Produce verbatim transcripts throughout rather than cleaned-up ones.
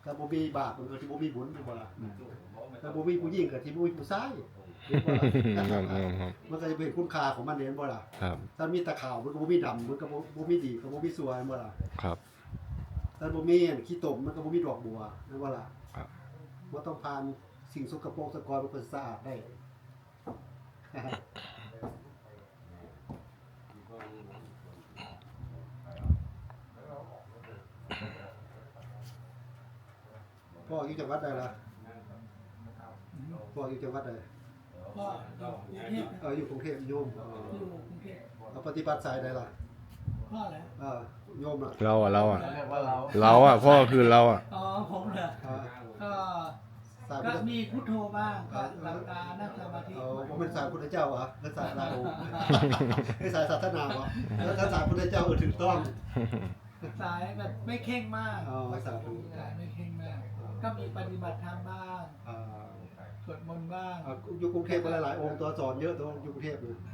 ถ้าบ่มีบาปมันก็สิบ่มีบุญแม่นบ่ล่ะถ้าบ่มีผู้หญิงก็สิบ่มีผู้ชายเห็นบ่ล่ะมันก็จะเป็นคุณค่าของมันเห็นบ่ล่ะครับถ้ามีตะขาวมันก็บ่มีดำมันก็บ่บ่มีดีก็บ่มีสวยเห็นบ่ล่ะครับถ้าบ่มีอันขี้ตมมันก็บ่มีดอกบัวเห็นบ่ล่ะครับบ่ต้องผ่านสิ่งสกปรกสกปรกมันก็สะอาดได้พ่ออยู่จังหวัดใดล่ะพ่ออยู่จังหวัดใดพ่ออยู่กรุงเทพเอออยู่กรุงเทพโยมอยู่กรุงเทพเอาปฏิบัติสายใดล่ะพ่อเหรอเออโยมอ่ะเราอ่ะเราอ่ะเราอ่ะพ่อคือเราอ่ะอ๋อผมเหรอก็ก็มีพุทโธบ้างก็หลับตานั่งสมาธิเออผมเป็นสายพุทธเจ้าเหรอเป็นสายลาโอเป็นสายศาสนาเหรอแล้วถ้าสายพุทธเจ้าเออถูกต้องสายแบบไม่เข่งมากอ๋อสาธุสายไม่เข่งมากก็มีปฏิบัติธรรมบ้างอ่าสวดมนต์บ้างอยู่กรุงเทพหลายๆองค์ตัวสอนเยอะตัวอยู่กรุงเทพเลย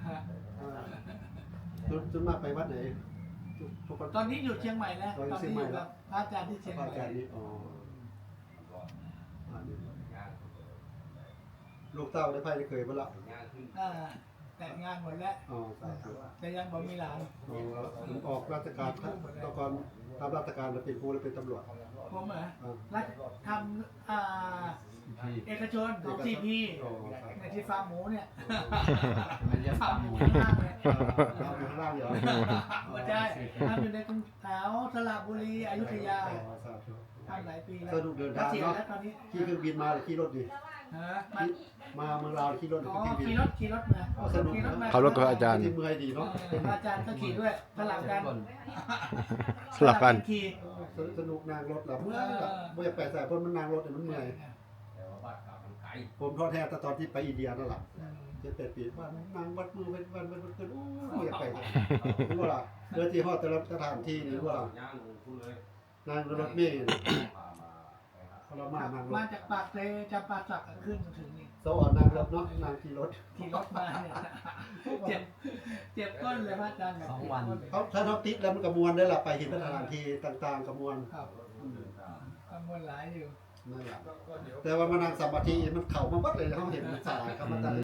จนมากไปวัดไหนตอนนี้อยู่เชียงใหม่แล้วตอนนี้อยู่กับพระอาจารย์ที่เชียงใหม่พระอาจารย์นี่อ๋อลูกเต้าได้ไพ่ได้เคยบ้างละแต่งงานหมดแล้วอ๋อสาธุแต่ยังบ่มีหลานผมออกราชการตอนก่อนทำราชการแล้วเป็นผู้แล้วเป็นตำรวจผมเหรอรัฐทำอ่าเอกชนของซีพีในที่ฟาร์มหมูเนี่ยฟาร์มหมูข้างล่างเนี่ยข้างล่างเหรอไม่ใช่ทำอยู่ในกรุงแถวสระบุรีอยุธยาทำหลายปีแล้วสนุกเดินทางเนาะขี่เครื่องบินมาหรือขี่รถดิมาเมืองลาวขี่รถหรือขี่รถขี่รถมาสนุกขับรถกับอาจารย์ที่เมืองดีเนาะอาจารย์ก็ขี่ด้วยสลับกันสลับกันขี่สนุกนางรถหลับเมื่อยไม่อยากไปใส่เพราะมันนางรถเนี่ยมันเมื่อยผมท้อแท้ตอนที่ไปอินเดียนั่นแหละเจ็ดแปดปีว่านางวัดมือเป็นวันเป็นวันเกินโอ้ไม่อยากไปเลยรู้ว่าล่ะเดินที่ฮอดแต่ละสถานที่นี่รู้ว่าล่ะนางรถเมล์พลมานางรถมาจากปากเซจะปากสักขึ้นมาถึงนี่สวรรค์นางรถเนาะนางขี่รถขี่รถมาเนี่ยเจ็บเจ็บก้นเลยพระอาจารย์สองวันเขาถ้าเขาติดแล้วมันกระมวลได้ละไปเห็นสถานที่ต่างๆกระมวลครับกระมวลหลายอยู่นั่นแหละแต่ว่ามานั่งสมาธิมันเข่ามาวัดเลยเขาเห็นมันสายเขามาตั้ง